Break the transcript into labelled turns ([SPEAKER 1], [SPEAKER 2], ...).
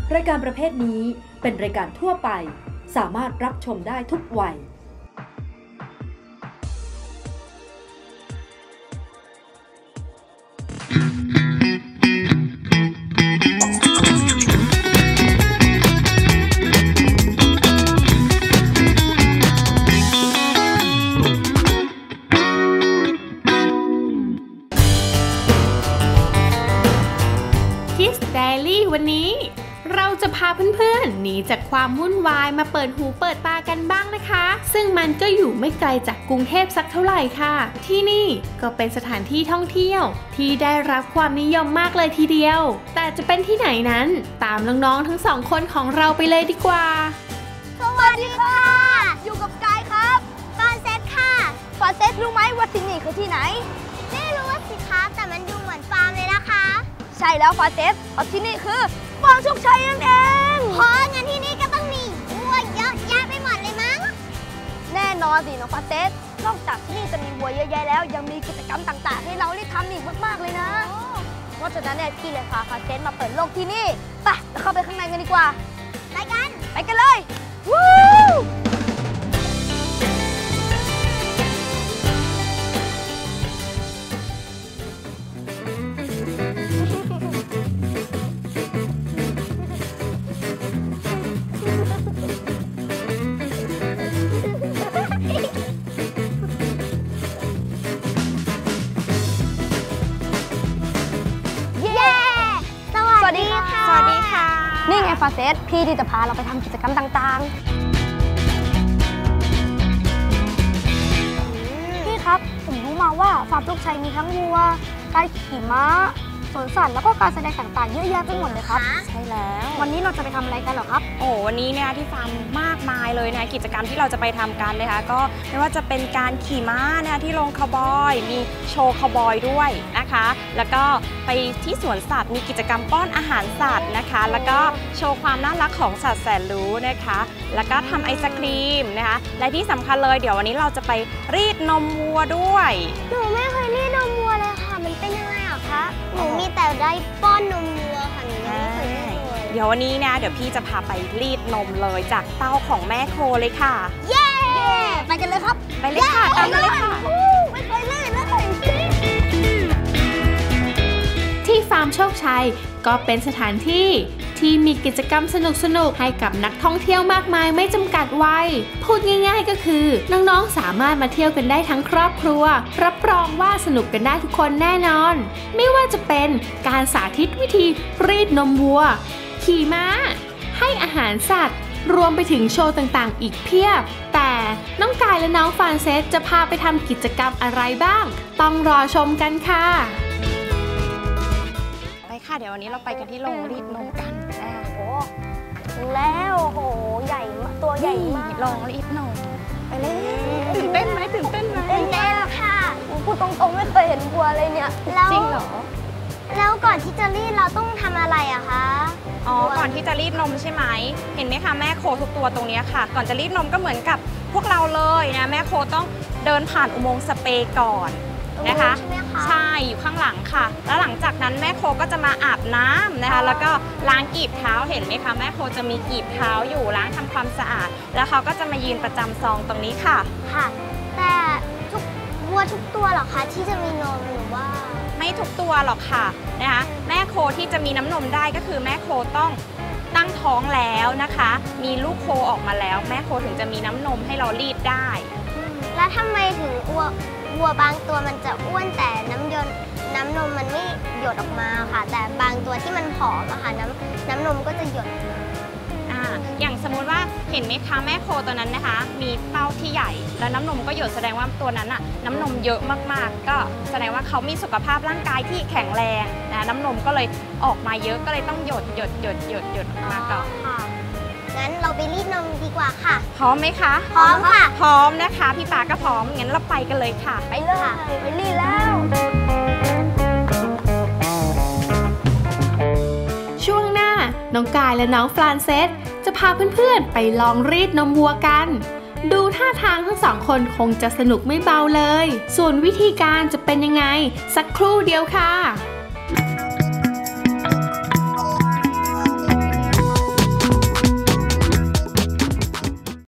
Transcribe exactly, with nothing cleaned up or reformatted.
[SPEAKER 1] รายการประเภทนี้เป็นรายการทั่วไปสามารถรับชมได้ทุกวัย
[SPEAKER 2] วันนี้เราจะพาเพื่อนๆหนีจากความวุ่นวายมาเปิดหูเปิดตากันบ้างนะคะซึ่งมันก็อยู่ไม่ไกลจากกรุงเทพสักเท่าไหร่ค่ะที่นี่ก็เป็นสถานที่ท่องเที่ยวที่ได้รับความนิยมมากเลยทีเดียวแต่จะเป็นที่ไหนนั้นตามน้องๆทั้งสองคนของเราไปเลยดีกว่า
[SPEAKER 3] สวัสดีค่ะอยู่กับกายครับฟาเซสค่ะฟาเซสรู้ไหมว่าที่นี่คือที่ไหนไม่รู้สิคะแต่มันดูเหมือนฟาร์มเลยนะคะใช่แล้วฟาเซสเพราะที่นี่คือฟาร์มโชคชัยนั่นเองเพราะงั้นที่นี่ก็ต้องมีวัวเยอะแยะไปหมดเลยมั้งแน่นอนสิน้องฟาเซสนอกจากที่นี่จะมีวัวเยอะแยะแล้วยังมีกิจกรรมต่างๆให้เราได้ทำอีกมากๆเลยนะเพราะฉะนั้นเนี่ยพี่เลยพาฟาเซสมาเปิดโลกที่นี่ไปเราเข้าไปข้างในกันดีกว่าไปกันไปกันเลยวู้สวัสดีค่ะสวัสดีค่ะนี่ไงฟาเซสพี่ที่จะพาเราไปทำกิจกรรมต่างๆพี่ครับผมรู้มาว่าฟาร์มโชคชัยมีทั้งวัวการขี่ม้าสวนสัตว์แล้วก็การแสดงต่างๆเยอะแยะไปหมดเลยครับใช่แล้ววันนี้เราจะไปทำอะไรกันหรอครับ
[SPEAKER 4] โอ้วันนี้เนี่ยที่ฟาร์มมากมายเลยนะกิจกรรมที่เราจะไปทำกันนะคะก็ไม่ว่าจะเป็นการขี่ม้านะที่โรงคาวบอยมีโชว์คาวบอยด้วยนะคะแล้วก็ไปที่สวนสัตว์มีกิจกรรมป้อนอาหารสัตว์นะคะแล้วก็โชว์ความน่ารักของสัตว์แสนรู้นะคะแล้วก็ทำไอศครีมนะคะและที่สำคัญเลยเดี๋ยววันนี้เราจะไปรีดนมวัวด้วย
[SPEAKER 3] หนูไม่เคยรีดนมวัวเลยค่ะมันเป็นยังไงอ่ะคะหนูมีแต่ได้ป้อนนมวัวค่ะหนูยังไม่เคยรีดเลย
[SPEAKER 4] เดี๋ยววันนี้นะเดี๋ยวพี่จะพาไปรีดนมเลยจากเต้าของแม่โคเลยค่ะ
[SPEAKER 3] เย้ไปกันเลยครับ
[SPEAKER 4] ไปเลยค่ะตามมาเลยค่ะ
[SPEAKER 3] ไม่เคยรีดเลย
[SPEAKER 2] ที่ฟาร์มโชคชัยก็เป็นสถานที่ที่มีกิจกรรมสนุกๆให้กับนักท่องเที่ยวมากมายไม่จำกัดวัยพูดง่ายๆก็คือน้องๆสามารถมาเที่ยวกันได้ทั้งครอบครัวรับรองว่าสนุกกันได้ทุกคนแน่นอนไม่ว่าจะเป็นการสาธิตวิธีรีดนมวัวขี่ม้าให้อาหารสัตว์รวมไปถึงโชว์ต่างๆอีกเพียบแต่น้องกายและน้องฟานเซสจะพาไปทำกิจกรรมอะไรบ้างต้องรอชมกันค่ะ
[SPEAKER 4] ค่ะเดี๋ยววันนี้เราไปกันที่โรงรีดนมกันอ่า
[SPEAKER 3] โอ้ถึงแล้วโหใหญ่มากตัวใหญ่มาก
[SPEAKER 4] โรงรีดนมไปเลยตื่นเต้นไหมตื่นเต้นไหม
[SPEAKER 3] ตื่นเต้นค่ะพูดตรงๆไม่เคยเห็นวัวเลยเนี่ย
[SPEAKER 4] จริงเหรอ
[SPEAKER 3] แล้วก่อนที่จะรีดเราต้องทำอะไรอะคะ
[SPEAKER 4] อ๋อก่อนที่จะรีดนมใช่ไหมเห็นไหมคะแม่โคทุกตัวตรงนี้ค่ะก่อนจะรีดนมก็เหมือนกับพวกเราเลยนะแม่โคต้องเดินผ่านอุโมงค์สเปรย์ก่อนนะคะใช่อยู่ข้างหลังค่ะแล้วหลังจากนั้นแม่โคก็จะมาอาบน้ำนะคะแล้วก็ล้างกีบเท้าเห็นไหมคะแม่โคจะมีกีบเท้าอยู่ล้างทำความสะอาดแล้วเขาก็จะมายืนประจำซองตรงนี้ค่ะ
[SPEAKER 3] ค่ะแต่ทุกวัวทุกตัวหรอคะที่จะมีนมหรือว่า
[SPEAKER 4] ไม่ทุกตัวหรอกค่ะนะคะแม่โคที่จะมีน้ำนมได้ก็คือแม่โคต้องตั้งท้องแล้วนะคะมีลูกโคออกมาแล้วแม่โคถึงจะมีน้ำนมให้เรารีดได้
[SPEAKER 3] แล้วทำไมถึงวัววัวบางตัวมันจะอ้วนแต่น้ำยนน้ำนมมันไม่หยดออกมาค่ะแต่บางตัวที่มันผอมอะค่ะน้ำน้ำนมก็จะหยด
[SPEAKER 4] อ่าอย่างสมมุติว่าเห็นไหมคะแม่โคตัวนั้นนะคะมีเต้าที่ใหญ่แล้วน้ำนมก็หยดแสดงว่าตัวนั้นอะน้ำนมเยอะมากๆก็แสดงว่าเขามีสุขภาพร่างกายที่แข็งแรงนะน้ำนมก็เลยออกมาเยอะก็เลยต้องหยดหยดหยดหยดหยดออกมาก่อน
[SPEAKER 3] งั้นเราไปรีดนมดีกว่าค่ะ
[SPEAKER 4] พร้อมไหมคะ
[SPEAKER 3] พร้อมค่ะ
[SPEAKER 4] พร้อมนะคะพี่ปาก็พร้อมงั้นเราไปกันเลยค่ะ
[SPEAKER 3] ไปเลยไปรีดแล้ว
[SPEAKER 2] ช่วงหน้าน้องกายและน้องฟรานเซสจะพาเพื่อนๆไปลองรีดนมวัวกันดูท่าทางทั้งสองคนคงจะสนุกไม่เบาเลยส่วนวิธีการจะเป็นยังไงสักครู่เดียวค่ะ